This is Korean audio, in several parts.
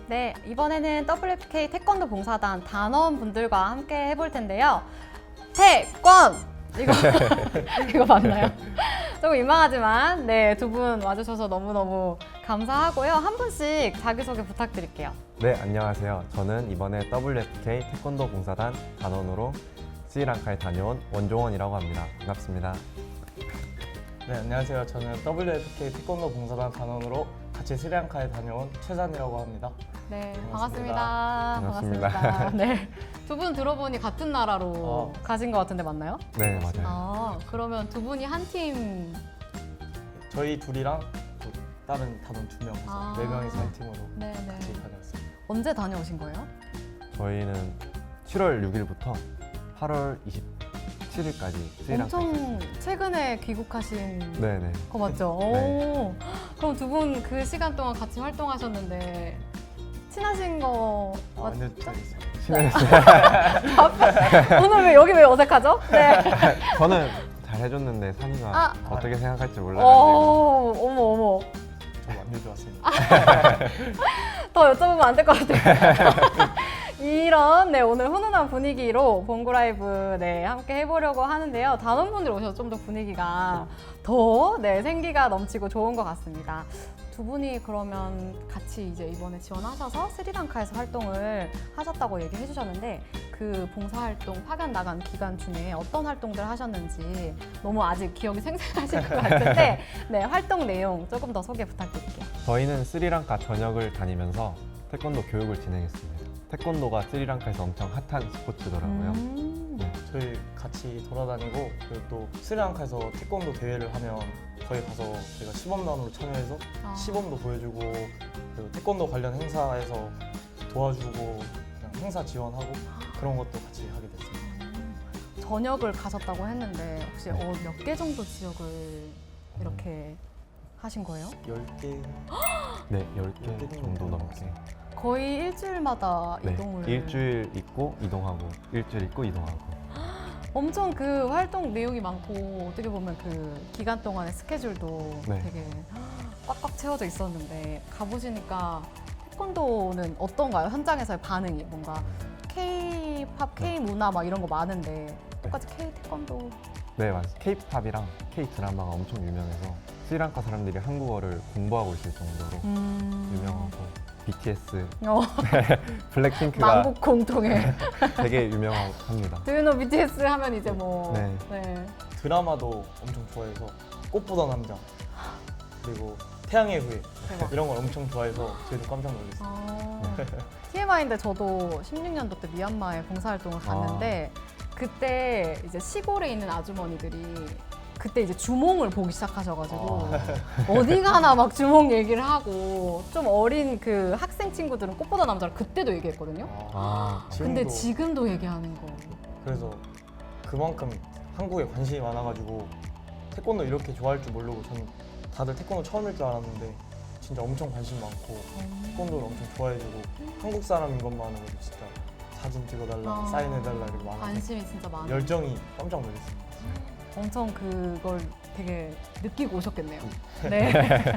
네, 이번에는 WFK 태권도 봉사단 단원 분들과 함께 해볼 텐데요. 태권! 이거 맞나요? 조금 민망하지만 네, 두 분 와주셔서 너무너무 감사하고요. 한 분씩 자기소개 부탁드릴게요. 네, 안녕하세요. 저는 이번에 WFK 태권도 봉사단 단원으로 스리랑카에 다녀온 원종원이라고 합니다. 반갑습니다. 네, 안녕하세요. 저는 WFK 태권도 봉사단 단원으로 같이 스리랑카에 다녀온 최산이라고 합니다. 네, 반갑습니다. 반갑습니다. 네, 두 분 들어보니 같은 나라로 가신 것 같은데 맞나요? 네, 맞아요. 아, 그러면 두 분이 한 팀. 저희 둘이랑 또 다른 단원 2명이서 아. 4명이서 한 팀으로 네네. 같이 다녔습니다. 언제 다녀오신 거예요? 저희는 7월 6일부터 8월 27일까지 스리랑카에 엄청 있었습니다. 최근에 귀국하신 네네. 거 맞죠? 네. 오, 그럼 두 분 그 시간 동안 같이 활동하셨는데 친하신 거 완전 잘했어요. 친해졌어요. 오늘 왜 어색하죠? 네. 저는 잘 해줬는데 산이가 아. 어떻게 생각할지 몰라가지고 어머. 저 완전 좋았습니다. 더 여쭤보면 안 될 것 같아요. 이런 네, 오늘 훈훈한 분위기로 봉구 라이브 네, 함께 해보려고 하는데요. 단원분들 오셔서 좀 더 분위기가 더 네, 생기가 넘치고 좋은 것 같습니다. 두 분이 그러면 같이 이제 이번에 지원하셔서 스리랑카에서 활동을 하셨다고 얘기해 주셨는데 그 봉사활동 파견 나간 기간 중에 어떤 활동들 하셨는지 너무 아직 기억이 생생하실 것 같은데 네, 활동 내용 조금 더 소개 부탁드릴게요. 저희는 스리랑카 전역을 다니면서 태권도 교육을 진행했습니다. 태권도가 스리랑카에서 엄청 핫한 스포츠더라고요. 네. 저희 같이 돌아다니고 그리고 또 스리랑카에서 태권도 대회를 하면 거기 가서 저희가 시범단으로 참여해서 아. 시범도 보여주고 그리고 태권도 관련 행사에서 도와주고 그냥 행사 지원하고 그런 것도 같이 하게 됐습니다. 전역을 가셨다고 했는데 혹시 몇 개 정도 지역을 이렇게 하신 거예요? 10개 네, 10개 정도 넘게. 거의 일주일마다 네, 이동을 일주일 있고 이동하고 일주일 있고 이동하고. 엄청 그 활동 내용이 많고 어떻게 보면 그 기간 동안의 스케줄도 네. 되게 꽉꽉 채워져 있었는데 가보시니까 태권도는 어떤가요? 현장에서의 반응이 뭔가 K-팝, K-문화 막 이런 거 많은데 똑같이 K-태권도 네, 맞아요. K-팝이랑 K-드라마가 엄청 유명해서 스리랑카 사람들이 한국어를 공부하고 있을 정도로 유명하고 BTS, 어, 블랙핑크가 만국 공통의 되게 유명합니다. Do you know BTS 하면 이제 뭐 네. 네. 드라마도 엄청 좋아해서 꽃보다 남자 그리고 태양의 후예 대박. 이런 걸 엄청 좋아해서 저희도 깜짝 놀랐어요. TMI인데 저도 16년도 때 미얀마에 봉사활동을 갔는데 그때 이제 시골에 있는 아주머니들이 그때 이제 주몽을 보기 시작하셔가지고 어디 가나 막 주몽 얘기를 하고 좀 어린 그 학생 친구들은 꽃보다 남자를 그때도 얘기했거든요. 근데 지금도 얘기하는 거. 그래서 그만큼 한국에 관심이 많아가지고 태권도 이렇게 좋아할 줄 모르고 전 다들 태권도 처음일 줄 알았는데 진짜 엄청 관심 많고 태권도를 엄청 좋아해주고 한국 사람인 것만으로도 진짜 사진 찍어달라, 사인해달라 이렇게 많아서 관심이 진짜 많아. 열정이 깜짝 놀랐습니다. 엄청 그걸 되게 느끼고 오셨겠네요. 네.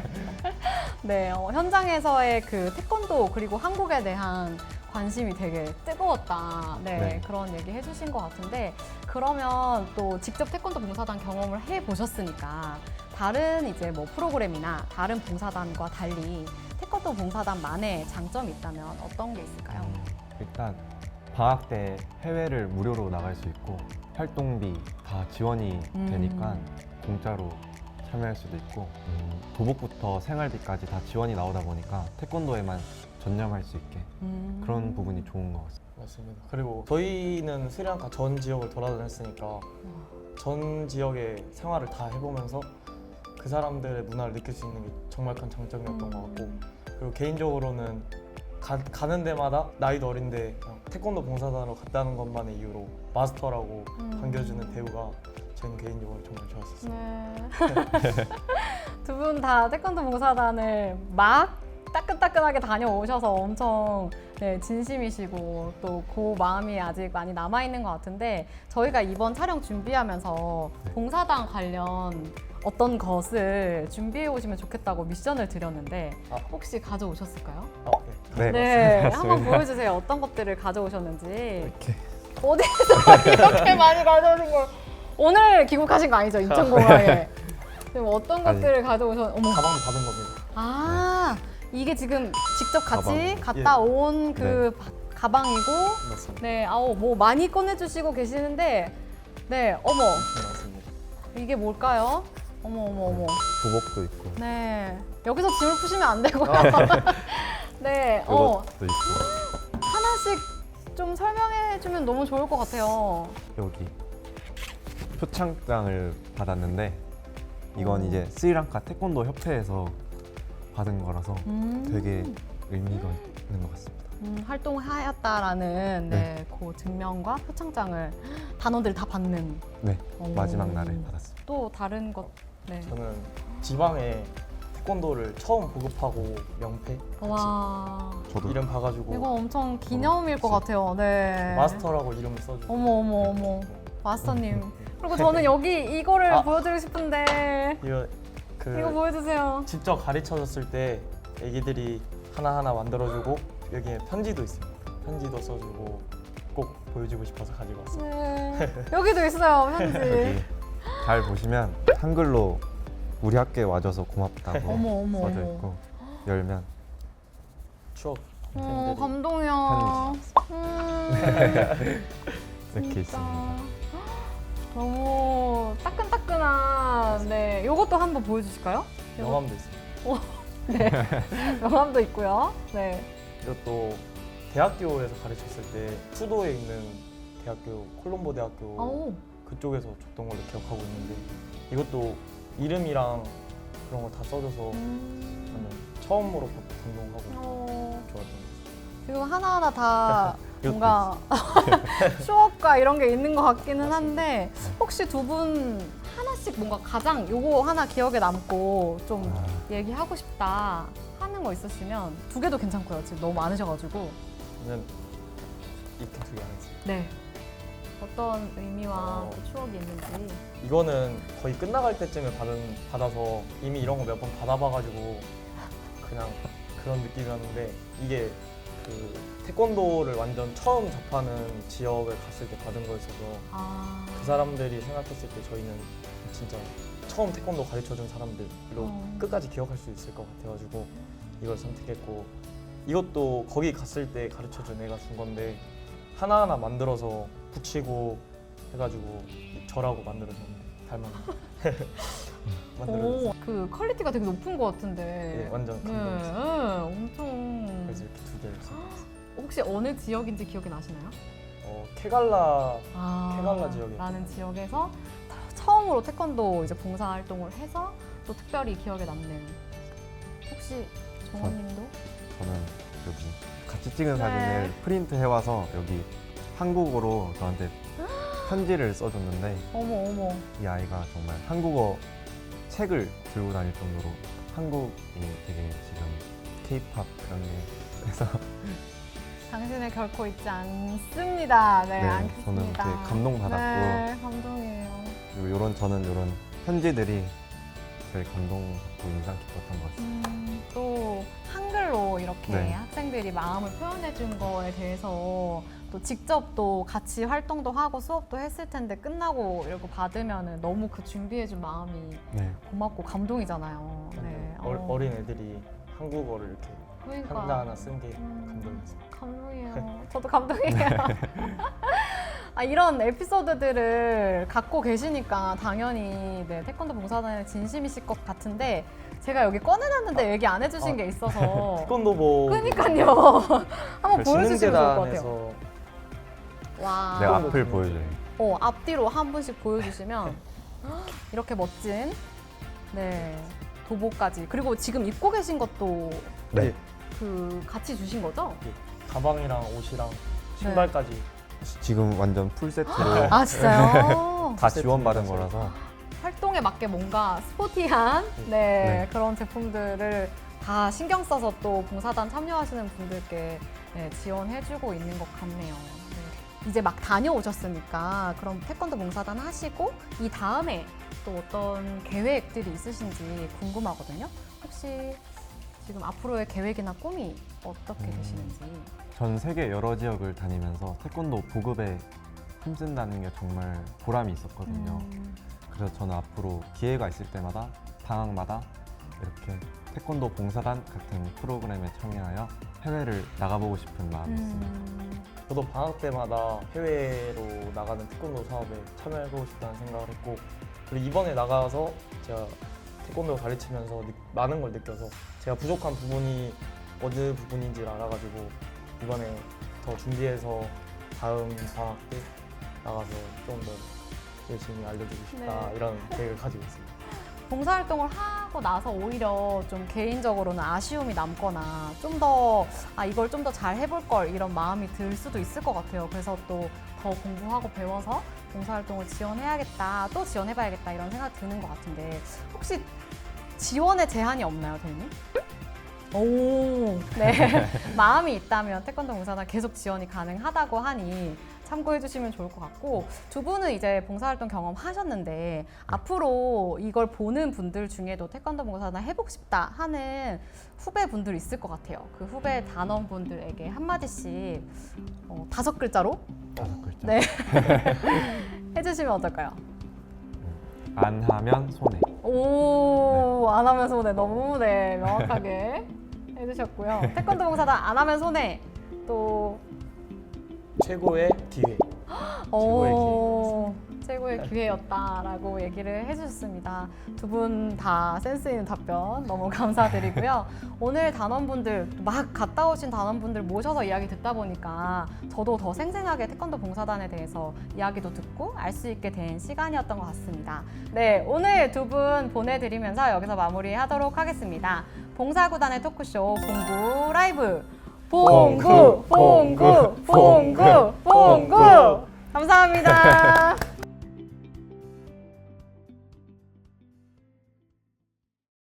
네, 현장에서의 그 태권도 그리고 한국에 대한 관심이 되게 뜨거웠다. 네, 네. 그런 얘기 해주신 것 같은데 그러면 또 직접 태권도 봉사단 경험을 해보셨으니까 다른 이제 뭐 프로그램이나 다른 봉사단과 달리 태권도 봉사단만의 장점이 있다면 어떤 게 있을까요? 일단 방학 때 해외를 무료로 나갈 수 있고 활동비 다 지원이 되니까 공짜로 참여할 수도 있고 도복부터 생활비까지 다 지원이 나오다 보니까 태권도에만 전념할 수 있게 그런 부분이 좋은 것 같습니다. 맞습니다. 그리고 저희는 스리랑카 전 지역을 돌아다녔으니까 전 지역의 생활을 다 해보면서 그 사람들의 문화를 느낄 수 있는 게 정말 큰 장점이었던 것 같고 그리고 개인적으로는 가는 데마다 나이도 어린데 그냥 태권도 봉사단으로 갔다는 것만의 이유로 마스터라고 반겨주는 대우가 저는 개인적으로 정말 좋았었어요. 네. 두 분 다 태권도 봉사단을 막 따끈따끈하게 다녀오셔서 엄청 네, 진심이시고 또 그 마음이 아직 많이 남아있는 것 같은데 저희가 이번 촬영 준비하면서 봉사단 관련 어떤 것을 준비해 오시면 좋겠다고 미션을 드렸는데 혹시 가져오셨을까요? 네. 네, 네, 맞습니다. 한번 보여주세요. 어떤 것들을 가져오셨는지. 이렇게 어디서 이렇게 많이 가져오신 걸? 오늘 귀국하신 거 아니죠? 인천공항에. 지금 어떤 아니. 것들을 가져오셨? 어머. 가방도 받은 겁니다. 아, 이게 지금 직접 같이 가방. 갔다 온 그 가방이고, 맞습니다. 네, 아우 뭐 많이 꺼내주시고 계시는데, 네, 어머, 맞습니다. 이게 뭘까요? 어머, 어머, 어머. 도복도 있고 네, 여기서 짐을 푸시면 안 되고요. 네, 이것도 있고 하나씩 좀 설명해주면 너무 좋을 것 같아요. 여기 표창장을 받았는데 이건 오. 이제 스리랑카 태권도 협회에서 받은 거라서 되게 의미가 있는 것 같습니다. 활동하였다라는 네, 그 증명과 표창장을 단원들이 다 받는. 네, 오. 마지막 날에 받았습니다. 또 다른 것. 네. 저는 지방에 태권도를 처음 보급하고 명패 같이 와, 저도 이름 봐가지고 이거 엄청 기념일 것 같아요. 네. 마스터라고 이름을 써주고 어머, 어머, 어머. 마스터님. 그리고 저는 여기 이거를 아. 보여드리고 싶은데 이거 그 이거 보여주세요. 직접 가르쳐줬을 때 애기들이 하나하나 만들어주고 여기에 편지도 있어요. 편지도 써주고 꼭 보여주고 싶어서 가지고 왔어요. 네. 여기도 있어요, 편지. 여기 잘 보시면 한글로 우리 학교에 와줘서 고맙다고 어머, 어머, 써져 어머. 있고 열면 추억 팬들이 감동이야. 이렇게 진짜. 있습니다. 너무 따끈따끈한. 네, 이것도 한번 보여주실까요? 명함도 있어요. 네, 명함도 있고요. 네. 이것도 대학교에서 가르쳤을 때 수도에 있는 대학교 콜롬보 대학교 오. 그쪽에서 줬던 걸로 기억하고 있는데 이것도 이름이랑 그런 거 다 써줘서 완전 처음으로 감동하고 어, 좋았던 것 같아요. 지금 하나하나 다 이것도 뭔가 추억과 이런 게 있는 것 같기는 한데 혹시 두 분 하나씩 뭔가 가장 요거 하나 기억에 남고 좀 아. 얘기하고 싶다 하는 거 있으시면 두 개도 괜찮고요. 지금 너무 많으셔가지고. 저는 이렇게 두 개 안 했어요. 네. 어떤 의미와 어. 또 추억이 있는지. 이거는 거의 끝나갈 때쯤에 받아서 이미 이런 거 몇 번 받아봐가지고 그냥 그런 느낌이었는데 이게 그 태권도를 완전 처음 접하는 지역을 갔을 때 받은 거였어서 아. 그 사람들이 생각했을 때 저희는 진짜 처음 태권도 가르쳐준 사람들로 끝까지 기억할 수 있을 것 같아가지고 이걸 선택했고 이것도 거기 갔을 때 가르쳐준 애가 준 건데 하나하나 만들어서 붙이고 해가지고 저라고 만들어줬는데 닮았는데 만들어줬어요. 오, 그 퀄리티가 되게 높은 것 같은데. 네, 완전 네, 감동했어요. 엄청. 그래서 이렇게 두 개를 써봤어요. 혹시 어느 지역인지 기억이 나시나요? 케갈라 아, 케갈라 지역이요. 라는 지역에서 처음으로 태권도 이제 봉사 활동을 해서 또 특별히 기억에 남는. 혹시 정원님도? 저는 여기 같이 찍은 네. 사진을 프린트 해와서 여기 한국어로 저한테 편지를 써줬는데 어머 어머. 이 아이가 정말 한국어 책을 들고 다닐 정도로 한국이 되게 지금 K-팝 그런 게 그래서 당신을 결코 잊지 않습니다. 네, 네, 않겠습니다. 저는 되게 감동받았고 네, 감동이에요. 그리고 저는 이런 편지들이 제일 감동받고 인상 깊었던 것 같습니다. 또 한글로 이렇게 네. 학생들이 마음을 표현해 준 거에 대해서 또 직접 또 같이 활동도 하고 수업도 했을 텐데 끝나고 이렇게 받으면 너무 그 준비해 준 마음이 네, 고맙고 감동이잖아요. 네. 어린 애들이 한국어를 이렇게 그러니까. 하나하나 쓴 게 감동이었어요. 감동이에요. 저도 감동이에요. 아, 이런 에피소드들을 갖고 계시니까 당연히 네, 태권도 봉사단에 진심이실 것 같은데 제가 여기 꺼내놨는데 얘기 안 해주신 게 있어서 태권도 뭐 그러니까요. 한번 보여주시면 좋을 것 같아요. 신흥재단에서 와. 내 앞을 보여줘요. 앞뒤로 한 분씩 보여주시면 이렇게 멋진 네 도복까지 그리고 지금 입고 계신 것도 네, 그 같이 주신 거죠? 가방이랑 옷이랑 신발까지 지금 완전 풀 세트로 아 진짜요? 다 지원받은 세트라서. 거라서 활동에 맞게 뭔가 스포티한 네, 네. 그런 제품들을 다 신경 써서 또 봉사단 참여하시는 분들께 네, 지원해주고 있는 것 같네요. 네. 이제 막 다녀오셨으니까 그럼 태권도 봉사단 하시고 이 다음에 또 어떤 계획들이 있으신지 궁금하거든요. 혹시 지금 앞으로의 계획이나 꿈이 어떻게 되시는지. 전 세계 여러 지역을 다니면서 태권도 보급에 힘쓴다는 게 정말 보람이 있었거든요. 그래서 저는 앞으로 기회가 있을 때마다 방학마다 이렇게 태권도 봉사단 같은 프로그램에 참여하여 해외를 나가보고 싶은 마음이 있습니다. 저도 방학 때마다 해외로 나가는 태권도 사업에 참여해보고 싶다는 생각을 했고, 그리고 이번에 나가서 제가 태권도 가르치면서 많은 걸 느껴서 제가 부족한 부분이 어느 부분인지를 알아가지고 이번에 더 준비해서 다음 방학 때 나가서 좀 더 열심히 알려주고 싶다, 네. 이런 계획을 가지고 있습니다. 봉사활동을 하고 나서 오히려 좀 개인적으로는 아쉬움이 남거나 좀 더 이걸 좀 더 잘 해볼 걸 이런 마음이 들 수도 있을 것 같아요. 그래서 또 더 공부하고 배워서 봉사활동을 지원해야겠다, 또 지원해봐야겠다 이런 생각 드는 것 같은데 혹시 지원에 제한이 없나요, 대리님? 오, 네. 마음이 있다면 태권도 봉사단 계속 지원이 가능하다고 하니 참고해 주시면 좋을 것 같고, 두 분은 이제 봉사활동 경험 하셨는데 앞으로 이걸 보는 분들 중에도 태권도 봉사단 해보고 싶다 하는 후배분들 있을 것 같아요. 그 후배 단원분들에게 한마디씩 5글자로 5글자. 네. 해주시면 어떨까요? 안 하면 손해. 오, 안 하면 손해. 너무 네, 명확하게 해주셨고요. 태권도 봉사단 안 하면 손해. 또 최고의 기회. 최고의 기회였다라고 얘기를 해주셨습니다. 두 분 다 센스 있는 답변 너무 감사드리고요. 오늘 단원분들 막 갔다 오신 단원분들 모셔서 이야기 듣다 보니까 저도 더 생생하게 태권도 봉사단에 대해서 이야기도 듣고 알 수 있게 된 시간이었던 것 같습니다. 네, 오늘 두 분 보내드리면서 여기서 마무리하도록 하겠습니다. 봉사구단의 토크쇼 봉구 라이브 봉구 감사합니다.